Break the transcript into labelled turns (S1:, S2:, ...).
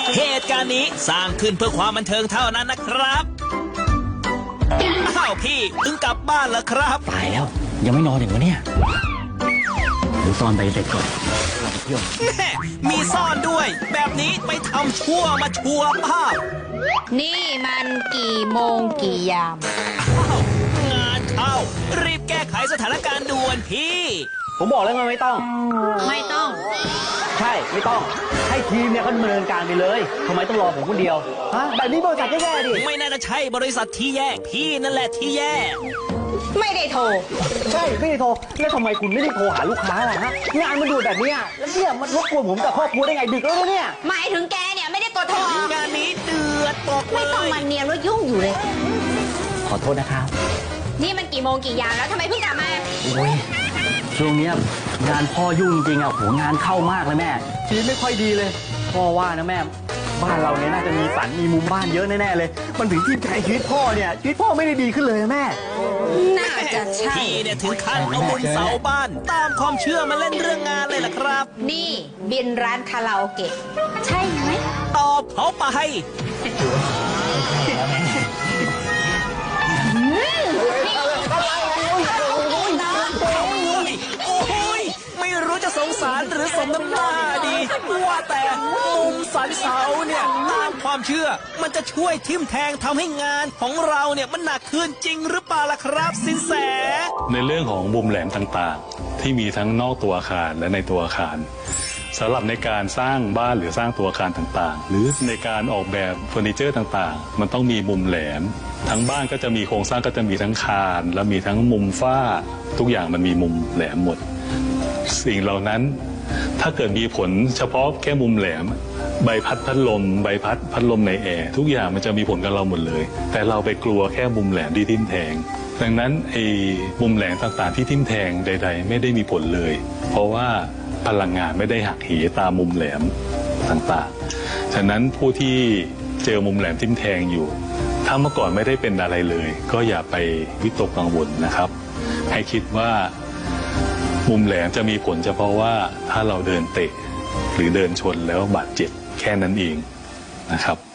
S1: เหตุการณ์นี้สร้างขึ้นเพื่อความบันเทิงเท่านั้นนะครับอ้าวพี่เพิ่งกลับบ้านแล้วครับ
S2: ตายแล้วยังไม่นอนอีกวะเนี่ยเดี๋ยวซ่อนใบเสร็จก่อนเราไปเที่ยว
S1: แม่มีซ่อนด้วย แบบนี้ไปทำชั่วมาชัวร์ป้าบ
S3: นี่มันกี่โมงกี่ยาม
S1: อ้าวงานเข้ารีบแก้ไขสถานการณ์ด่วนพี่
S2: ผมบอกแล้วไงไม่ต้อง
S3: ไม่ต้อง
S2: ใช่ไม่ต้องให้ทีมเนี่ยเขาดำเนินการไปเลยทำไมต้องรอผมคนเดียวฮะแบบนี้บริษัทแย่ๆดิ
S1: ไม่น่าจะใช่บริษัทที่แย่พี่นั่นแหละที่แย่
S3: ไม่ได้โทร
S2: ใช่ไม่ได้โทรแล้วทำไมคุณไม่ได้โทรหาลูกค้าล่ะฮะงานมันดูแบบนี้แล้วเนี่ยมันรบกวนผมกับครอบครัวได้ไงดึกแล้วเนี่ย
S3: หมายถึงแกเนี่ยไม่ได้กดโทร
S1: งานนี้เดือดบอกเล
S3: ไม่ต้อง
S1: ย
S3: มาเนียนว่ายุ่งอยู่เลย
S2: ขอโทษนะครับ
S3: นี่มันกี่โมงกี่ยามแล้วทำไมเพิ่งกลับมา
S2: โอ้ยช่วงเนี้ยงานพ่อยุ่งจริงอ่ะโหงานเข้ามากเลยแม่ชีวิตไม่ค่อยดีเลยพ่อว่านะแม่บ้านเราเนี่ยน่าจะมีฝันมีมุมบ้านเยอะแน่ๆเลย มันถึงที่แทนชีวิตพ่อเนี่ยชีวิตพ่อไม่ได้ดีขึ้นเลยแม่
S3: น่าจะใช่
S1: พี่เนี่ยถึงขั้นเอามุมเสาบ้าน ตามความเชื่อมาเล่นเรื่องงานเลยล่ะครับ
S3: นี่บินร้านคาราโอเกะ ใช่ไหม
S1: ตอบเขาไปโอ้ยไม่รู้จะสงสารหรือสมน้ำหน้าดี ว่าแต่มุมสันเสาเนี่ยตามความเชื่อ มันจะช่วยทิ่มแทงทำให้งานของเราเนี่ยมันหนักขึ้นจริงหรือเปล่าล่ะครับสินแส
S4: ในเรื่องของมุมแหลมต่างๆ ที่มีทั้งนอกตัวอาคารและในตัวอาคารสำหรับในการสร้างบ้านหรือสร้างตัวอาคารต่างๆ หรือในการออกแบบเฟอร์นิเจอร์ต่างๆ มันต้องมีมุมแหลมทั้งบ้านก็จะมีโครงสร้างก็จะมีทั้งคานและมีทั้งมุมฝ้าทุกอย่างมันมีมุมแหลมหมดสิ่งเหล่านั้นถ้าเกิดมีผลเฉพาะแค่มุมแหลมใบพัดลมใบพัดลมในแอร์ทุกอย่างมันจะมีผลกับเราหมดเลยแต่เราไปกลัวแค่มุมแหลมที่ทิ่มแทงดังนั้นไอ้มุมแหลมต่างๆที่ทิ่มแทงใดๆไม่ได้มีผลเลยเพราะว่าพลังงานไม่ได้หักเหตามมุมแหลมต่างๆฉะนั้นผู้ที่เจอมุมแหลมทิ่มแทงอยู่ถ้าเมื่อก่อนไม่ได้เป็นอะไรเลยก็อย่าไปวิตกกังวลนะครับให้คิดว่ามุมแหลมจะมีผลเฉพาะว่าถ้าเราเดินเตะหรือเดินชนแล้วบาดเจ็บแค่นั้นเองนะครับ